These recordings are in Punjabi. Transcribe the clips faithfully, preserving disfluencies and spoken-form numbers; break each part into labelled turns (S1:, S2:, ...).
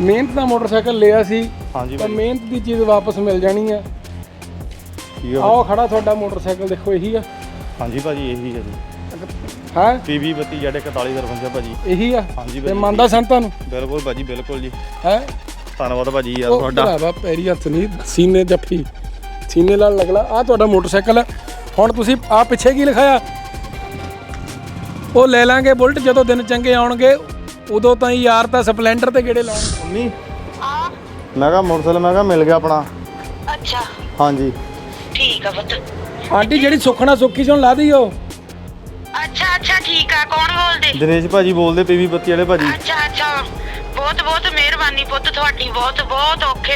S1: ਮਿਹਨਤ ਦਾ ਮੋਟਰਸਾਈਕਲ ਲਿਆ ਸੀ।
S2: ਹਾਂਜੀ
S1: ਤਾਂ ਮਿਹਨਤ ਦੀ ਚੀਜ਼ ਵਾਪਸ ਮਿਲ ਜਾਣੀ ਆ।
S2: ਠੀਕ ਆ।
S1: ਆਓ ਖੜਾ ਤੁਹਾਡਾ ਮੋਟਰਸਾਈਕਲ ਦੇਖੋ, ਇਹੀ ਆ।
S2: ਹਾਂਜੀ ਭਾਜੀ ਇਹੀ ਹੈ ਜੀ।
S1: ਹੈ
S2: ਪੀਵੀ ਬੱਤੀ ਜੈਡ ਇਕਤਾਲੀ ਦਰਵੰਜਾ ਭਾਜੀ
S1: ਇਹੀ ਆ।
S2: ਹਾਂਜੀ
S1: ਤੇ ਮੰਨਦਾ ਸੰਤਾਂ ਨੂੰ?
S2: ਬਿਲਕੁਲ ਭਾਜੀ ਬਿਲਕੁਲ ਜੀ।
S1: ਹੈ
S2: ਧੰਨਵਾਦ ਭਾਜੀ ਯਾਰ ਤੁਹਾਡਾ।
S1: ਭਰਾਵਾ ਪੈਰੀ ਹੱਥ ਨਹੀਂ, ਸੀਨੇ ਜੱਫੀ, ਸੀਨੇ ਨਾਲ ਲਗਲਾ। ਆ ਤੁਹਾਡਾ ਮੋਟਰਸਾਈਕਲ ਹੈ। ਹੁਣ ਤੁਸੀਂ ਆ ਪਿੱਛੇ ਕੀ ਲਿਖਾਇਆ? ਉਹ ਲੈ ਲਾਂਗੇ ਬੁਲਟ ਜਦੋਂ ਦਿਨ ਚੰਗੇ ਆਉਣਗੇ, ਉਦੋਂ ਤਾਂ ਯਾਰ ਤਾਂ ਸਪਲੈਂਡਰ ਤੇ ਗੇੜੇ ਲਾਉਣ।
S2: ਮੰਮੀ ਮੈਂ ਕਿਹਾ ਮੋਟਰਸਾਈਕਲ ਮੈਂ ਕਿਹਾ ਮਿਲ ਗਿਆ ਆਪਣਾ।
S3: ਅੱਛਾ
S2: ਹਾਂਜੀ
S3: ਠੀਕ ਆ ਪੁੱਤ।
S1: ਆਂਟੀ ਜਿਹੜੀ ਸੁੱਖਣਾ ਸੁੱਖੀ ਚੋਂ ਲਾ ਦਈਓ।
S3: ਅੱਛਾ ਅੱਛਾ ਠੀਕ ਆ। ਕੌਣ ਬੋਲਦੇ?
S2: ਦਿਨੇਸ਼ ਭਾਜੀ ਬੋਲਦੇ ਪੀਵੀ ਬੱਤੀ ਵਾਲੇ ਭਾਜੀ।
S3: ਅੱਛਾ ਅੱਛਾ ਬਹੁਤ ਬਹੁਤ ਮਿਹਰਬਾਨੀ ਪੁੱਤ ਤੁਹਾਡੀ, ਬਹੁਤ ਬਹੁਤ ਔਖੇ।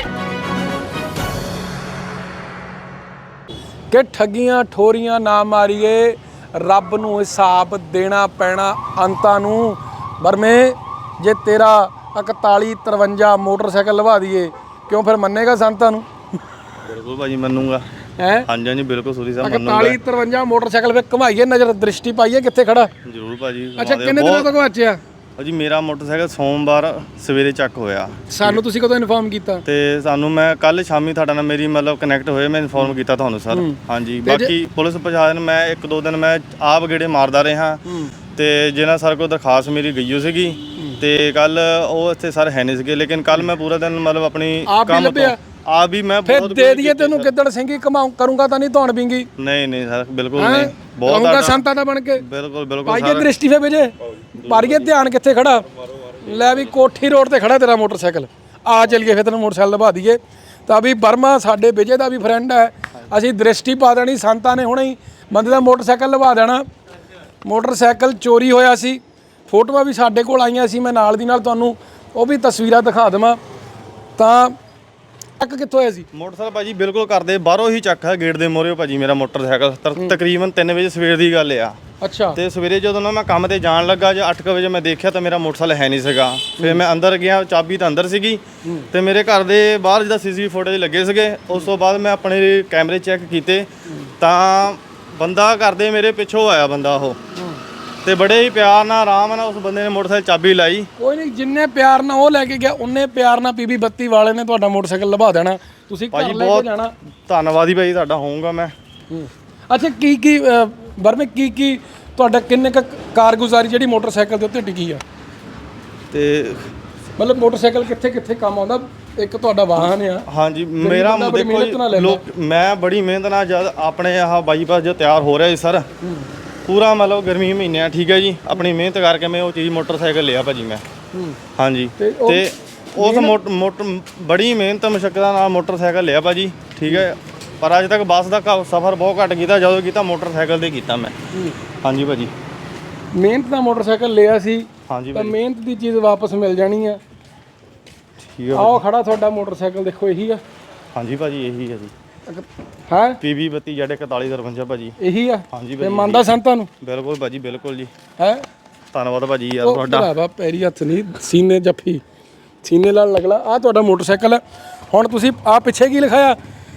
S1: ਕਿ ਠੱਗੀਆਂ ਠੋਰੀਆਂ ਨਾ ਮਾਰੀਏ, ਰੱਬ ਨੂੰ ਹਿਸਾਬ ਦੇਣਾ ਪੈਣਾ ਅੰਤਾਂ ਨੂੰ। ਵਰਮੇ ਜੇ ਤੇਰਾ ਇਕਤਾਲੀ ਤਰਵੰਜਾ ਮੋਟਰਸਾਈਕਲ ਲਵਾ ਦਈਏ, ਕਿਉਂ ਫਿਰ ਮੰਨੇਗਾ ਸੰਤਾਂ ਨੂੰ?
S2: ਬਿਲਕੁਲ ਭਾਜੀ ਮੰਨੂਗਾ।
S1: ਹੈ
S2: ਹਾਂਜੀ ਹਾਂਜੀ ਬਿਲਕੁਲ ਸੂਰੀ ਸਾਹਿਬ ਮੰਨੂਗਾ।
S1: ਇਕਤਾਲੀ ਤਰਵੰਜਾ ਮੋਟਰਸਾਈਕਲ ਵੇ ਘੁਮਾਈਏ, ਨਜ਼ਰ ਦ੍ਰਿਸ਼ਟੀ ਪਾਈਏ ਕਿੱਥੇ ਖੜਾ।
S2: ਜ਼ਰੂਰ ਭਾਜੀ।
S1: ਅੱਛਾ ਕਿੰਨੇ ਦਿਨਾਂ ਤੋਂ ਘਵਾਚਿਆ?
S2: ਭਾਜੀ ਮੇਰਾ ਮੋਟਰਸਾਈਕਲ ਸੋਮਵਾਰ ਸਵੇਰੇ ਚੱਕ ਹੋਇਆ।
S1: ਸਾਨੂੰ ਤੁਸੀਂ ਕਦੋਂ ਇਨਫੋਰਮ ਕੀਤਾ?
S2: ਤੇ ਸਾਨੂੰ ਮੈਂ ਕੱਲ ਸ਼ਾਮੀ ਤੁਹਾਡਾ ਨਾਲ ਮੇਰੀ ਮਤਲਬ ਕਨੈਕਟ ਹੋਏ, ਮੈਂ ਇਨਫੋਰਮ ਕੀਤਾ ਤੁਹਾਨੂੰ ਸਰ। ਹਾਂਜੀ ਬਾਕੀ ਪੁਲਿਸ ਪ੍ਰਸ਼ਾਸਨ ਮੈਂ ਇੱਕ ਦੋ ਦਿਨ ਮੈਂ ਆਪ ਗੇੜੇ ਮਾਰਦਾ ਰਿਹਾ ਤੇ ਜਿਹਨਾਂ ਸਰ ਕੋਲ ਦਰਖਾਸਤ ਮੇਰੀ ਗਈ ਹੋ ਸੀਗੀ ਤੇ ਕੱਲ ਉਹ ਇੱਥੇ ਸਰ ਹੈ ਨਹੀਂ ਸੀਗੇ, ਲੇਕਿਨ ਕੱਲ ਮੈਂ ਪੂਰਾ ਦਿਨ ਮਤਲਬ ਆਪਣੀ ਕੰਮ ਤੋਂ ਆ ਵੀ ਮੈਂ
S1: ਫਿਰ ਦੇ ਦਈਏ ਤੈਨੂੰ ਗਿੱਦੜ ਸਿੰਘੀ ਕਮਾਉ ਕਰੂੰਗਾ ਤਾਂ ਨਹੀਂ ਧੌਣ ਬਿੰਗੀ?
S2: ਨਹੀਂ ਨਹੀਂ ਸਰ ਬਿਲਕੁਲ ਨਹੀਂ। ਬਹੁਤ
S1: ਬਹੁਤ ਸੰਤਾਂ ਦਾ ਬਣ ਕੇ
S2: ਬਿਲਕੁਲ ਬਿਲਕੁਲ
S1: ਪਾਈਏ ਦ੍ਰਿਸ਼ਟੀ ਫੇ ਵਜੇ ਪਾਰੀਏ ਧਿਆਨ ਕਿੱਥੇ ਖੜਾ। ਲੈ ਵੀ ਕੋਠੀ ਰੋਡ ਤੇ ਖੜਾ ਤੇਰਾ ਮੋਟਰਸਾਈਕਲ। ਆ ਚਲੀਏ ਫਿਰ ਤੈਨੂੰ ਮੋਟਰਸਾਈਕਲ ਲਵਾ ਦਈਏ। ਤਾਂ ਵੀ ਬਰਮਾ ਸਾਡੇ ਵਿਜੇ ਦਾ ਵੀ ਫਰੈਂਡ ਹੈ, ਅਸੀਂ ਦ੍ਰਿਸ਼ਟੀ ਪਾ ਦੇਣੀ। ਸੰਤਾਂ ਨੇ ਹੁਣੇ ਹੀ ਬੰਦੇ ਦਾ ਮੋਟਰਸਾਈਕਲ ਲਵਾ ਦੇਣਾ। ਮੋਟਰਸਾਈਕਲ ਚੋਰੀ ਹੋਇਆ ਸੀ, ਫੋਟੋਆਂ ਵੀ ਸਾਡੇ ਕੋਲ ਆਈਆਂ ਸੀ, ਮੈਂ ਨਾਲ ਦੀ ਨਾਲ ਤੁਹਾਨੂੰ ਉਹ ਵੀ ਤਸਵੀਰਾਂ ਦਿਖਾ ਦੇਵਾਂ। ਤਾਂ ਚੱਕ ਕਿੱਥੋਂ ਹੋਇਆ ਸੀ
S2: ਮੋਟਰਸਾਈਕਲ ਭਾਜੀ? ਬਿਲਕੁਲ ਕਰਦੇ ਬਾਹਰੋਂ ਹੀ ਚੱਕ ਹੈ, ਗੇਟ ਦੇ ਮੋਹਰੇ ਭਾਜੀ ਮੇਰਾ ਮੋਟਰਸਾਈਕਲ। ਤਕਰੀਬਨ ਤਿੰਨ ਵਜੇ ਸਵੇਰ ਦੀ ਗੱਲ ਆ।
S1: ਅੱਛਾ
S2: ਤੇ ਸਵੇਰੇ ਜਦੋਂ ਨਾ ਮੈਂ ਕੰਮ ਤੇ ਜਾਣ ਲੱਗਾ, ਜੇ ਅੱਠ ਵਜੇ ਮੈਂ ਦੇਖਿਆ ਤਾਂ ਮੇਰਾ ਮੋਟਰਸਾਈਕਲ ਹੈ ਨਹੀਂ ਸੀਗਾ। ਫਿਰ ਮੈਂ ਅੰਦਰ ਗਿਆ, ਚਾਬੀ ਤਾਂ ਅੰਦਰ ਸੀਗੀ ਤੇ ਮੇਰੇ ਘਰ ਦੇ ਬਾਹਰ ਜਿਹਦਾ ਸੀਸੀਟੀਵੀ ਫੁਟੇਜ ਲੱਗੇ ਸੀਗੇ। ਉਸ ਤੋਂ ਬਾਅਦ ਮੈਂ ਆਪਣੇ ਕੈਮਰੇ ਚੈੱਕ ਕੀਤੇ ਤਾਂ ਬੰਦਾ ਘਰ ਦੇ ਮੇਰੇ ਪਿੱਛੋਂ ਆਇਆ ਬੰਦਾ ਉਹ, ਤੇ ਬੜੇ ਹੀ ਪਿਆਰ ਨਾਲ ਆਰਾਮ ਨਾਲ ਉਸ ਬੰਦੇ ਨੇ ਮੋਟਰਸਾਈਕਲ ਚਾਬੀ ਲਾਈ। ਕੋਈ
S1: ਨਹੀਂ, ਜਿੰਨੇ ਪਿਆਰ ਨਾਲ ਉਹ ਲੈ ਕੇ ਗਿਆ ਉਹਨੇ ਪਿਆਰ ਨਾਲ ਪੀਬੀ ਬੱਤੀ ਵਾਲੇ ਨੇ ਤੁਹਾਡਾ ਮੋਟਰਸਾਈਕਲ ਲਵਾ ਦੇਣਾ। ਤੁਸੀਂ ਘਰ ਲੈ ਕੇ ਜਾਣਾ।
S2: ਧੰਨਵਾਦੀ ਭਾਈ ਤੁਹਾਡਾ ਹੋਊਗਾ ਮੈਂ।
S1: ਅੱਛਾ ਕੀ ਕੀ ਵਰਮੇ ਕੀ ਕੀ ਤੁਹਾਡਾ ਕਿੰਨੇ ਕ ਕਾਰਗੁਜ਼ਾਰੀ ਜਿਹੜੀ ਮੋਟਰਸਾਈਕਲ ਦੇ ਉੱਤੇ ਟਿਕੀ ਆ?
S2: ਤੇ
S1: ਮਤਲਬ ਮੋਟਰਸਾਈਕਲ ਕਿੱਥੇ ਕਿੱਥੇ ਕੰਮ ਆਉਂਦਾ? ਇੱਕ ਤੁਹਾਡਾ ਵਾਹਨ ਆ।
S2: ਹਾਂਜੀ ਮੇਰਾ ਦੇਖੋ ਲੋਕ ਮੈਂ ਬੜੀ ਮਿਹਨਤ ਨਾਲ ਜਦ ਆਪਣੇ ਆਹ ਬਾਈਪਾਸ ਜੋ ਤਿਆਰ ਹੋ ਰਿਹਾ ਜੀ ਸਰ, ਪੂਰਾ ਮਤਲਬ ਗਰਮੀ ਮਹੀਨੇ ਆ, ਠੀਕ ਹੈ ਜੀ, ਆਪਣੀ ਮਿਹਨਤ ਕਰਕੇ ਮੈਂ ਉਹ ਚੀਜ਼ ਮੋਟਰਸਾਈਕਲ ਲਿਆ ਭਾਜੀ ਮੈਂ। ਹਾਂਜੀ ਤੇ ਉਸ ਮੋਟਰ ਬੜੀ ਮਿਹਨਤ ਮੁਸ਼ੱਕਲਾਂ ਨਾਲ ਮੋਟਰਸਾਈਕਲ ਲਿਆ ਭਾਜੀ, ਠੀਕ ਹੈ। ਪਰ ਅੱਜ ਤੱਕ ਬੱਸ ਦਾ ਸਫ਼ਰ ਬਹੁਤ ਘੱਟ ਕੀਤਾ, ਜਦੋਂ ਕੀਤਾ ਮੋਟਰਸਾਈਕਲ ਤੇ ਕੀਤਾ ਮੈਂ। ਹਾਂਜੀ ਭਾਜੀ
S1: ਮਿਹਨਤ ਦਾ ਮੋਟਰਸਾਈਕਲ ਲਿਆ ਸੀ।
S2: ਹਾਂਜੀ
S1: ਤਾਂ ਮਿਹਨਤ ਦੀ ਚੀਜ਼ ਵਾਪਸ ਮਿਲ ਜਾਣੀ ਆ।
S2: ਠੀਕ ਹੈ।
S1: ਆਓ ਖੜਾ ਤੁਹਾਡਾ ਮੋਟਰਸਾਈਕਲ ਦੇਖੋ, ਇਹੀ ਆ।
S2: ਹਾਂਜੀ ਭਾਜੀ ਇਹੀ ਹੈ ਜੀ।
S1: ਹੈ
S2: ਪੀਵੀ ਬੱਤੀ ਜੈਡ ਇਕਤਾਲੀ ਦਰਵੰਜਾ ਭਾਜੀ
S1: ਇਹੀ ਆ।
S2: ਹਾਂਜੀ
S1: ਤੇ ਮੰਨਦਾ ਸੰਤਾਂ ਨੂੰ?
S2: ਬਿਲਕੁਲ ਭਾਜੀ ਬਿਲਕੁਲ ਜੀ।
S1: ਹੈ
S2: ਧੰਨਵਾਦ ਭਾਜੀ ਯਾਰ ਤੁਹਾਡਾ।
S1: ਭਰਾਵਾ ਪੈਰੀ ਹੱਥ ਨਹੀਂ, ਸੀਨੇ ਜੱਫੀ, ਸੀਨੇ ਨਾਲ ਲਗਲਾ। ਆ ਤੁਹਾਡਾ ਮੋਟਰਸਾਈਕਲ ਹੈ। ਹੁਣ ਤੁਸੀਂ ਆ ਪਿੱਛੇ ਕੀ ਲਿਖਾਇਆ?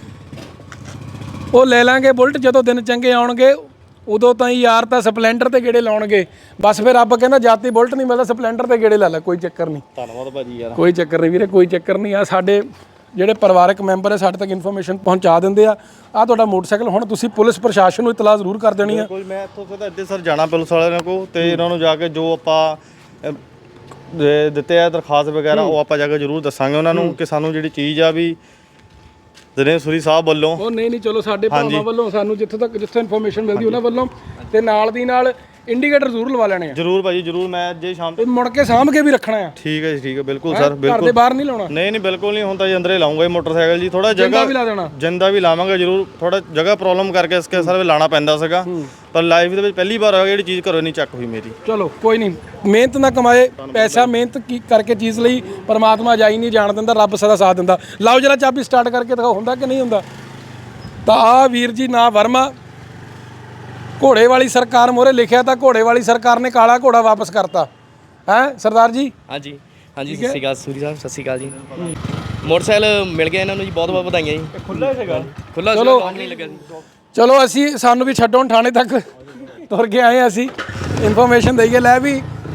S1: ਉਹ ਲੈ ਲਾਂਗੇ ਬੁਲਟ ਜਦੋਂ ਦਿਨ ਚੰਗੇ ਆਉਣਗੇ, ਉਦੋਂ ਤਾਂ ਯਾਰ ਤਾਂ ਸਪਲੈਂਡਰ ਤੇ ਗੇੜੇ ਲਾਉਣਗੇ। ਬਸ ਫਿਰ ਰੱਬ ਕਹਿੰਦਾ ਜਾਤੀ ਬੁਲਟ ਨਹੀਂ ਮਿਲਦਾ, ਸਪਲੈਂਡਰ ਤੇ ਗੇੜੇ ਲਾ ਲੈ, ਕੋਈ ਚੱਕਰ ਨਹੀਂ।
S2: ਧੰਨਵਾਦ ਭਾਜੀ ਯਾਰ। ਕੋਈ
S1: ਚੱਕਰ ਨਹੀਂ ਵੀਰੇ, ਕੋਈ ਚੱਕਰ ਨਹੀਂ। ਆ ਸਾਡੇ ਜਿਹੜੇ ਪਰਿਵਾਰਕ ਮੈਂਬਰ ਹੈ ਸਾਡੇ ਤੱਕ ਇਨਫੋਰਮੇਸ਼ਨ ਪਹੁੰਚਾ ਦਿੰਦੇ ਆ। ਆ ਤੁਹਾਡਾ ਮੋਟਰਸਾਈਕਲ ਹੁਣ ਤੁਸੀਂ ਪੁਲਿਸ ਪ੍ਰਸ਼ਾਸਨ ਨੂੰ ਇਤਲਾਹ ਜ਼ਰੂਰ ਕਰ ਦੇਣੀ ਆ।
S2: ਕੋਈ ਮੈਂ ਇੱਥੋਂ ਸਿੱਧਾ ਇੱਥੇ ਸਰ ਜਾਣਾ ਪੁਲਿਸ ਵਾਲਿਆਂ ਕੋਲ ਤੇ ਇਹਨਾਂ ਨੂੰ ਜਾ ਕੇ ਜੋ ਆਪਾਂ ਦਿੱਤੇ ਆ ਦਰਖਾਸਤ ਵਗੈਰਾ ਉਹ ਆਪਾਂ ਜਾ ਕੇ ਜ਼ਰੂਰ ਦੱਸਾਂਗੇ ਉਹਨਾਂ ਨੂੰ ਕਿ ਸਾਨੂੰ ਜਿਹੜੀ ਚੀਜ਼ ਆ ਵੀ ਦਿਨੇਸ਼ ਸੂਰੀ ਸਾਹਿਬ ਵੱਲੋਂ।
S1: ਉਹ ਨਹੀਂ ਨਹੀਂ ਚਲੋ ਸਾਡੇ ਭਰਾਵਾਂ ਵੱਲੋਂ ਸਾਨੂੰ ਜਿੱਥੋਂ ਤੱਕ ਜਿੱਥੋਂ ਇਨਫੋਰਮੇਸ਼ਨ ਮਿਲਦੀ ਉਹਨਾਂ ਵੱਲੋਂ, ਤੇ ਨਾਲ ਦੀ ਨਾਲ ਇੰਡੀਕੇਟਰ ਜ਼ਰੂਰ ਲਵਾ ਲੈਣੇ ਆ।
S2: ਜ਼ਰੂਰ ਭਾਜੀ ਜ਼ਰੂਰ। ਮੈਂ ਅੱਜ ਸ਼ਾਮ
S1: ਤੇ ਮੁੜ ਕੇ ਸਾਂਭ ਕੇ ਵੀ ਰੱਖਣਾ ਆ।
S2: ਠੀਕ ਹੈ ਜੀ ਠੀਕ ਹੈ ਬਿਲਕੁਲ ਸਰ ਬਿਲਕੁਲ।
S1: ਘਰ ਦੇ ਬਾਹਰ ਨਹੀਂ ਲਾਉਣਾ?
S2: ਨਹੀਂ ਨਹੀਂ ਬਿਲਕੁਲ ਨਹੀਂ, ਹੁਣ ਤਾਂ ਜੀ ਅੰਦਰੇ ਲਾਉਂਗਾ ਮੋਟਰਸਾਈਕਲ ਜੀ। ਥੋੜਾ ਜਗ੍ਹਾ
S1: ਵੀ ਲਾ ਦੇਣਾ,
S2: ਜਿੰਦਾ ਵੀ ਲਾਵਾਂਗੇ ਜ਼ਰੂਰ। ਥੋੜਾ ਜਗ੍ਹਾ ਪ੍ਰੋਬਲਮ ਕਰਕੇ ਇਸਕੇ ਸਰ ਲਾਣਾ ਪੈਂਦਾ ਸੀਗਾ, ਪਰ ਲਾਈਫ ਦੇ ਵਿੱਚ ਪਹਿਲੀ ਵਾਰ ਹੋਇਆ ਜਿਹੜੀ ਚੀਜ਼ ਘਰੋਂ ਨਹੀਂ ਚੱਕ ਹੋਈ ਮੇਰੀ।
S1: ਚਲੋ ਕੋਈ ਨਹੀਂ, ਮਿਹਨਤ ਨਾ ਕਮਾਏ ਪੈਸਾ, ਮਿਹਨਤ ਕੀ ਕਰਕੇ ਚੀਜ਼ ਲਈ ਪਰਮਾਤਮਾ ਜਾਈ ਨਹੀਂ ਜਾਣ ਦਿੰਦਾ, ਰੱਬ ਸਦਾ ਸਾਥ ਦਿੰਦਾ। ਲਾਓ ਜਰਾ ਚਾਬੀ ਸਟਾਰਟ ਕਰਕੇ ਦਿਖਾਓ ਹੁੰਦਾ ਕਿ ਨਹੀਂ ਹੁੰਦਾ। ਤਾਂ ਆ ਵੀਰ ਜੀ ਨਾ ਵਰਮਾ, ਘੋੜੇ ਵਾਲੀ ਸਰਕਾਰ ਮੋਹਰੇ ਲਿਖਿਆ ਤਾਂ ਘੋੜੇ ਵਾਲੀ ਸਰਕਾਰ ਨੇ ਕਾਲਾ ਘੋੜਾ ਵਾਪਸ ਕਰਤਾ ਹੈ ਸਰਦਾਰ ਜੀ।
S4: ਹਾਂਜੀ ਹਾਂਜੀ ਸਤਿ ਸ਼੍ਰੀ ਅਕਾਲ ਸੂਰੀ ਸਾਹਿਬ, ਸਤਿ ਸ਼੍ਰੀ ਅਕਾਲ ਜੀ। ਮੋਟਰਸਾਈਕਲ ਮਿਲ ਗਿਆ ਇਹਨਾਂ ਨੂੰ ਜੀ, ਬਹੁਤ ਬਹੁਤ ਵਧਾਈਆਂ ਜੀ।
S2: ਖੁੱਲਾ ਸੀਗਾ
S4: ਖੁੱਲਾ ਸੀਗਾ, ਕੰਮ ਨਹੀਂ ਲੱਗਾ ਜੀ।
S1: ਚਲੋ ਅਸੀਂ ਸਾਨੂੰ ਵੀ ਛੱਡੋ ਥਾਣੇ ਤੱਕ ਤੁਰ ਕੇ ਆਏ ਅਸੀਂ, ਇਨਫੋਰਮੇਸ਼ਨ ਦਈਏ। ਲੈ ਵੀ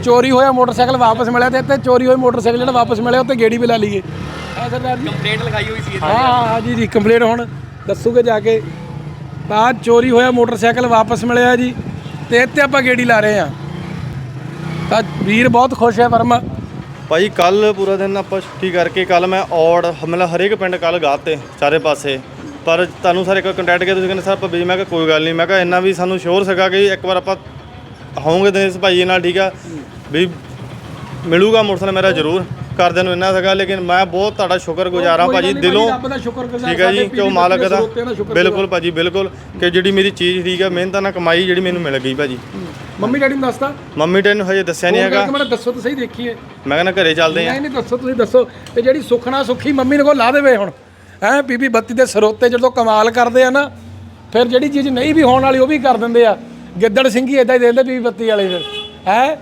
S1: ਚੋਰੀ ਹੋਇਆ ਮੋਟਰਸਾਈਕਲ ਵਾਪਸ ਮਿਲਿਆ ਤੇ ਇੱਥੇ ਚੋਰੀ ਹੋਏ ਮੋਟਰਸਾਈਕਲ ਜਿਹੜਾ ਵਾਪਸ ਮਿਲਿਆ ਉੱਤੇ ਗੇੜੀ ਵੀ ਲਾ ਲਈਏ ਆ ਸਰਦਾਰ ਜੀ
S4: ਕੰਪਲੇਂਟ ਲਿਖਾਈ ਹੋਈ ਸੀ
S1: ਹਾਂ ਹਾਂ ਹਾਂ ਜੀ ਜੀ ਕੰਪਲੇਂਟ ਹੁਣ ਦੱਸੂਗੇ ਜਾ ਕੇ ਤਾਂ ਚੋਰੀ ਹੋਇਆ ਮੋਟਰਸਾਈਕਲ ਵਾਪਸ ਮਿਲਿਆ ਜੀ ਤੇ ਇੱਥੇ ਆਪਾਂ ਗੇੜੀ ਲਾ ਰਹੇ ਆ ਤਾਂ ਵੀਰ ਬਹੁਤ ਖੁਸ਼ ਹੈ ਵਰਮਾ
S2: ਭਾਈ ਕੱਲ ਪੂਰਾ ਦਿਨ ਆਪਾਂ ਛੁੱਟੀ ਕਰਕੇ ਕੱਲ ਮੈਂ ਔੜ ਮਤਲਬ ਹਰੇਕ ਪਿੰਡ ਕੱਲ ਗਾਤੇ ਸਾਰੇ ਪਾਸੇ ਪਰ ਤੁਹਾਨੂੰ ਸਾਰੇ ਕੋਈ ਕੰਟੈਕਟ ਕੀਤਾ ਤੁਸੀਂ ਕਹਿੰਦੇ ਸਰ ਆਪਾਂ ਬਿਜੀ ਮੈਂ ਕਿਹਾ ਕੋਈ ਗੱਲ ਨਹੀਂ ਮੈਂ ਕਿਹਾ ਇੰਨਾ ਵੀ ਸਾਨੂੰ ਸ਼ੋਰ ਸੀਗਾ ਕਿ ਇੱਕ ਵਾਰ ਆਪਾਂ ਹੋਵਾਂਗੇ ਦਿਨੇਸ਼ ਭਾਈ ਨਾਲ ਠੀਕ ਆ ਵੀ ਮਿਲੂਗਾ ਮੋਟਰਸਾਈਕਲ ਮੇਰਾ ਜ਼ਰੂਰ ਕਰਦਿਆਂ ਨੂੰ ਇੰਨਾ ਸੀਗਾ ਲੇਕਿਨ ਮੈਂ ਬਹੁਤ ਤੁਹਾਡਾ ਸ਼ੁਕਰਗੁਜ਼ਾਰ ਹਾਂ ਭਾਜੀ ਦਿਲੋਂ ਠੀਕ ਹੈ ਜੀ ਕਿ ਉਹ ਮਾਲਕ ਦਾ ਬਿਲਕੁਲ ਭਾਜੀ ਬਿਲਕੁਲ ਕਿ ਜਿਹੜੀ ਮੇਰੀ ਚੀਜ਼ ਠੀਕ ਹੈ ਮਿਹਨਤਾਂ ਨਾਲ ਕਮਾਈ ਜਿਹੜੀ ਮੈਨੂੰ ਮਿਲ ਗਈ ਭਾਜੀ
S1: ਮੰਮੀ ਡੈਡੀ ਨੂੰ ਦੱਸਤਾ
S2: ਮੰਮੀ ਡੈਡੀ ਨੂੰ ਹਜੇ ਦੱਸਿਆ ਨਹੀਂ ਹੈਗਾ
S1: ਮੈਨੂੰ ਦੱਸੋ ਤਾਂ ਸਹੀ ਦੇਖੀਏ
S2: ਮੈਂ ਕਹਿੰਦਾ ਘਰੇ ਚੱਲਦੇ ਆ
S1: ਨਹੀਂ ਨਹੀਂ ਦੱਸੋ ਤੁਸੀਂ ਦੱਸੋ ਤੇ ਜਿਹੜੀ ਸੁਖਣਾ ਸੁਖੀ ਮੰਮੀ ਨੂੰ ਕੋ ਲਾ ਦੇਵੇ ਹੁਣ ਹੈ ਬੀਬੀ ਬੱਤੀ ਦੇ ਸਰੋਤੇ ਜਦੋਂ ਕਮਾਲ ਕਰਦੇ ਆ ਨਾ ਫਿਰ ਜਿਹੜੀ ਚੀਜ਼ ਨਹੀਂ ਵੀ ਹੋਣ ਵਾਲੀ ਉਹ ਵੀ ਕਰ ਦਿੰਦੇ ਆ ਗਿੱਦੜ ਸਿੰਘੀ ਇਦਾਂ ਹੀ ਦੇ ਦਿੰਦੇ ਬੀਬੀ ਬੱਤੀ ਵਾਲੇ ਫਿਰ ਹੈ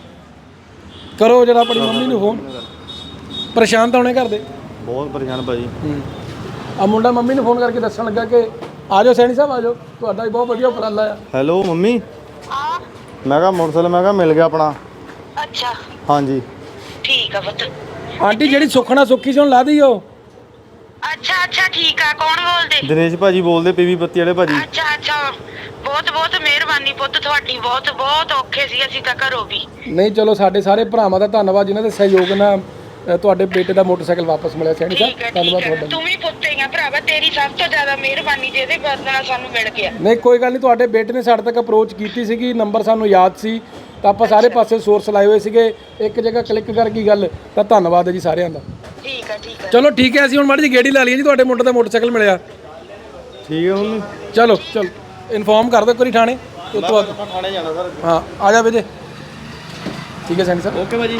S1: ਕਰੋ ਜਿਹੜਾ ਆਪਣੀ ਮੰਮੀ ਨੂੰ ਫੋਨ ਪਰੇਸ਼ਾਨ ਤਾਂ ਹੋਣੇ ਘਰ ਦੇ
S2: ਬਹੁਤ ਪਰੇਸ਼ਾਨ ਭਾਜੀ
S1: ਆ ਮੁੰਡਾ ਮੰਮੀ ਨੂੰ ਫੋਨ ਕਰਕੇ ਦੱਸਣ ਲੱਗਾ ਕਿ ਆ ਜਾਓ ਸੈਣੀ ਸਾਹਿਬ ਆ ਜਾਓ ਤੁਹਾਡਾ ਵੀ ਬਹੁਤ ਵਧੀਆ ਉਪਰਾਲਾ ਆ
S2: ਹੈਲੋ ਮੰਮੀ
S3: ਹਾਂ
S2: ਮੈਂ ਕਿਹਾ ਮੋਟਰਸਾਈਕਲ ਮੈਂ ਕਿਹਾ ਮਿਲ ਗਿਆ ਆਪਣਾ
S3: ਅੱਛਾ
S2: ਹਾਂਜੀ
S3: ਠੀਕ ਆ ਪੁੱਤ
S1: ਆਂਟੀ ਜਿਹੜੀ ਸੁਖਣਾ ਸੁੱਖੀ ਸੀ ਹੁਣ ਲਾ ਦਈਓ
S3: ਅੱਛਾ ਅੱਛਾ ਠੀਕ ਆ ਕੌਣ ਬੋਲਦੇ
S2: ਦਿਨੇਸ਼ ਭਾਜੀ ਬੋਲਦੇ ਪੀਵੀ ਬੱਤੀ ਵਾਲੇ ਭਾਜੀ
S3: ਅੱਛਾ ਅੱਛਾ ਬਹੁਤ ਬਹੁਤ ਮਿਹਰਬਾਨੀ ਪੁੱਤ ਤੁਹਾਡੀ ਬਹੁਤ ਬਹੁਤ ਔਖੇ ਸੀ ਅਸੀਂ ਤਾਂ ਘਰੋਂ ਵੀ
S1: ਨਹੀਂ ਚਲੋ ਸਾਡੇ ਸਾਰੇ ਭਰਾਵਾਂ ਦਾ ਧੰਨਵਾਦ ਜਿਨ੍ਹਾਂ ਦੇ ਸਹਿਯੋਗ ਨਾਲ ਅ, ਤੁਹਾਡੇ ਬੇਟੇ ਦਾ ਮੋਟਰਸਾਈਕਲ ਵਾਪਸ ਮਿਲਿਆ ਸੈਣੀ ਸਾਹਿਬ
S3: ਠੀਕ ਹੈ
S1: ਧੰਨਵਾਦ
S3: ਠੀਕ ਹੈ
S1: ਤੁਹਾਡਾ
S3: ਤੂੰ ਵੀ ਪੁੱਤ ਹੀ ਆ ਭਰਾਵਾ ਤੇਰੀ ਸਭ ਤੋਂ ਜ਼ਿਆਦਾ ਮਿਹਰਬਾਨੀ ਜਿਹਦੇ ਬਦਲੇ ਸਾਨੂੰ ਮਿਲ ਗਿਆ
S1: ਨਹੀਂ ਕੋਈ ਗੱਲ ਨਹੀਂ ਤੁਹਾਡੇ ਬੇਟੇ ਨੇ ਸਾਡੇ ਤੱਕ ਅਪਰੋਚ ਕੀਤੀ ਸੀਗੀ ਨੰਬਰ ਸਾਨੂੰ ਯਾਦ ਸੀ ਤਾਂ ਆਪਾਂ ਸਾਰੇ ਪਾਸੇ ਸੋਰਸ ਲਾਏ ਹੋਏ ਸੀਗੇ ਇੱਕ ਜਗ੍ਹਾ ਕਲਿੱਕ ਕਰ ਗਈ ਗੱਲ ਤਾਂ ਧੰਨਵਾਦ ਹੈ ਜੀ ਸਾਰਿਆਂ ਦਾ
S3: ਠੀਕ ਹੈ ਠੀਕ ਹੈ
S1: ਚਲੋ ਠੀਕ ਹੈ ਅਸੀਂ ਹੁਣ ਮਾੜੀ ਜਿਹੀ ਗੇੜੀ ਲਾ ਲਈਏ ਜੀ ਤੁਹਾਡੇ ਮੁੰਡੇ ਦਾ ਮੋਟਰਸਾਈਕਲ ਮਿਲਿਆ
S2: ਠੀਕ ਹੈ ਮੰਮੀ
S1: ਚਲੋ ਚਲੋ ਇਨਫੋਰਮ ਕਰ ਦਿਓ ਇੱਕ ਵਾਰੀ ਥਾਣੇ ਉਸ ਤੋਂ ਬਾਅਦ
S2: ਆਪਾਂ ਥਾਣੇ ਜਾਣਾ ਸਰ
S1: ਹਾਂ ਆ ਜਾ ਵੀਰੇ ਠੀਕ ਹੈ ਸੈਣੀ ਸਾਹਿਬ
S4: ਓਕੇ ਭਾਜੀ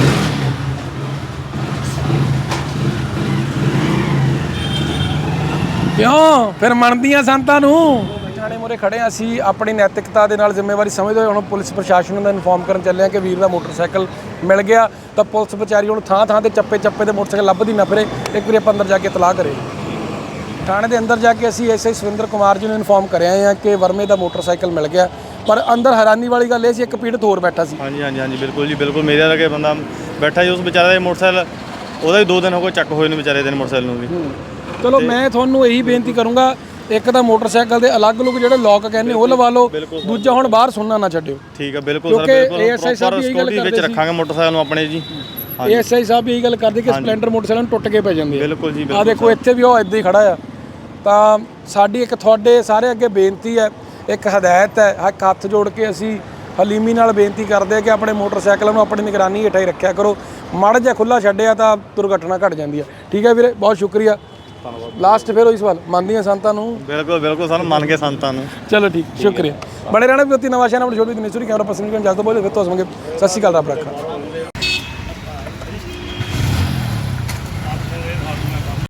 S1: ਕਿਉਂ ਫਿਰ ਮੰਨਦੀਆਂ ਸੰਤਾਂ ਨੂੰ ਥਾਣੇ ਮੋਰੇ ਖੜੇ ਹਾਂ ਅਸੀਂ ਆਪਣੀ ਨੈਤਿਕਤਾ ਦੇ ਨਾਲ ਜ਼ਿੰਮੇਵਾਰੀ ਸਮਝਦੇ ਹੋਏ ਹੁਣ ਪੁਲਿਸ ਪ੍ਰਸ਼ਾਸਨ ਨੂੰ ਇਨਫੋਰਮ ਕਰਨ ਚੱਲੇ ਹਾਂ ਕਿ ਵੀਰ ਦਾ ਮੋਟਰਸਾਈਕਲ ਮਿਲ ਗਿਆ ਤਾਂ ਪੁਲਿਸ ਵਿਚਾਰੀ ਹੁਣ ਥਾਂ ਥਾਂ ਤੇ ਚੱਪੇ ਚੱਪੇ ਦੇ ਮੋਟਰਸਾਈਕਲ ਲੱਭਦੀ ਨਾ ਫਿਰੇ ਇੱਕ ਵਾਰੀ ਆਪਾਂ ਅੰਦਰ ਜਾ ਕੇ ਇਤਲਾਹ ਕਰੇ ਥਾਣੇ ਦੇ ਅੰਦਰ ਜਾ ਕੇ ਅਸੀਂ ਐਸਆਈ ਸੁਰਿੰਦਰ ਕੁਮਾਰ ਜੀ ਨੂੰ ਇਨਫੋਰਮ ਕਰਿਆ ਹਾਂ ਕਿ ਵਰਮੇ ਦਾ ਮੋਟਰਸਾਈਕਲ ਮਿਲ ਗਿਆ ਪਰ ਅੰਦਰ ਹੈਰਾਨੀ ਵਾਲੀ ਗੱਲ ਇਹ ਸੀ ਇੱਕ ਪੀੜਤ ਹੋਰ ਬੈਠਾ ਸੀ
S2: ਹਾਂਜੀ ਹਾਂਜੀ ਹਾਂਜੀ ਬਿਲਕੁਲ ਜੀ ਬਿਲਕੁਲ ਮੇਰੇ ਵਰਗੇ ਬੰਦਾ ਬੈਠਾ ਜੀ ਉਸ ਵਿਚਾਰੇ ਦਾ ਮੋਟਰਸਾਈਕਲ ਉਹਦਾ ਹੀ ਦੋ ਦਿਨ ਹੋ ਗਏ ਚੱਕ ਹੋਏ ਨੇ ਵਿਚਾਰੇ ਦੇ ਮੋਟਰਸਾਈਕਲ ਨੂੰ ਵੀ
S1: ਚਲੋ ਮੈਂ ਤੁਹਾਨੂੰ ਇਹੀ ਬੇਨਤੀ ਕਰੂੰਗਾ ਇੱਕ ਤਾਂ ਮੋਟਰਸਾਈਕਲ ਦੇ ਅਲੱਗ-ਅਲੱਗ ਜਿਹੜੇ ਲੋਕ ਕਹਿੰਦੇ ਉਹ ਲਵਾ ਲਓ ਦੂਜਾ ਹੁਣ ਬਾਹਰ ਸੁਣਨਾ ਨਾ ਛੱਡਿਓ
S2: ਠੀਕ ਹੈ ਬਿਲਕੁਲ ਸਰ ਬਿਲਕੁਲ
S1: ਏਐਸਆਈ ਸਾਹਿਬ ਵੀ ਇਹੀ ਗੱਲ
S2: ਵਿੱਚ ਰੱਖਾਂਗੇ ਮੋਟਰਸਾਈਕਲ ਨੂੰ ਆਪਣੇ ਜੀ
S1: ਏਐਸਆਈ ਸਾਹਿਬ ਵੀ ਇਹੀ ਗੱਲ ਕਰਦੇ ਕਿ ਸਪਲੈਂਡਰ ਮੋਟਰਸਾਈਕਲ ਟੁੱਟ ਕੇ ਪੈ ਜਾਂਦੇ ਆ
S2: ਬਿਲਕੁਲ ਜੀ
S1: ਆ ਦੇਖੋ ਇੱਥੇ ਵੀ ਉਹ ਇੱਦਾਂ ਹੀ ਖੜਾ ਆ ਤਾਂ ਸਾਡੀ ਇੱਕ ਤੁਹਾਡੇ ਸਾਰੇ ਅੱਗੇ ਬੇਨਤੀ ਹੈ ਇੱਕ ਹਦਾਇਤ ਹੈ ਇੱਕ ਹੱਥ ਜੋੜ ਕੇ ਅਸੀਂ ਹਲੀਮੀ ਨਾਲ ਬੇਨਤੀ ਕਰਦੇ ਆ ਕਿ ਆਪਣੇ ਮੋਟਰਸਾਈਕਲਾਂ ਨੂੰ ਆਪਣੀ ਨਿਗਰਾਨੀ ਹੇਠਾਂ ਹੀ ਰੱਖਿਆ ਕਰੋ ਮਾੜਾ ਜਿਹਾ ਖੁੱਲਾ ਛੱਡਿਆ ਤਾਂ ਦੁਰਘਟਨਾ ਘਟ ਜਾਂਦੀ ਹੈ ਠੀਕ ਹੈ ਵੀਰੇ ਬਹੁਤ ਸ਼ੁਕਰੀਆ ਲਾਸਟ ਫਿਰ ਉਹੀ ਸਵਾਲ ਮੰਨਦੀਆਂ ਸੰਤਾਂ ਨੂੰ
S2: ਬਿਲਕੁਲ ਬਿਲਕੁਲ ਸਾਨੂੰ ਮੰਨ ਕੇ ਸੰਤਾਂ ਨੂੰ
S1: ਚਲੋ ਠੀਕ ਸ਼ੁਕਰੀਆ ਬੜੇ ਰਹਿਣਾ ਵੀ ਉੱਤੀ ਨਵਾਂ ਸ਼ਹਿਰ ਆਪਣੇ ਛੋਟੀ ਦਿਨੇਸ਼ਵਰੀ ਕੈਮਰਾ ਪਰਸਨ ਜਦ ਤੋਂ ਬੋਲੇ ਫਿਰ ਤੋਂ ਹਸਵਾਂਗੇ ਸਤਿ ਸ਼੍ਰੀ ਅਕਾਲ ਰੱਬ ਰੱਖਾ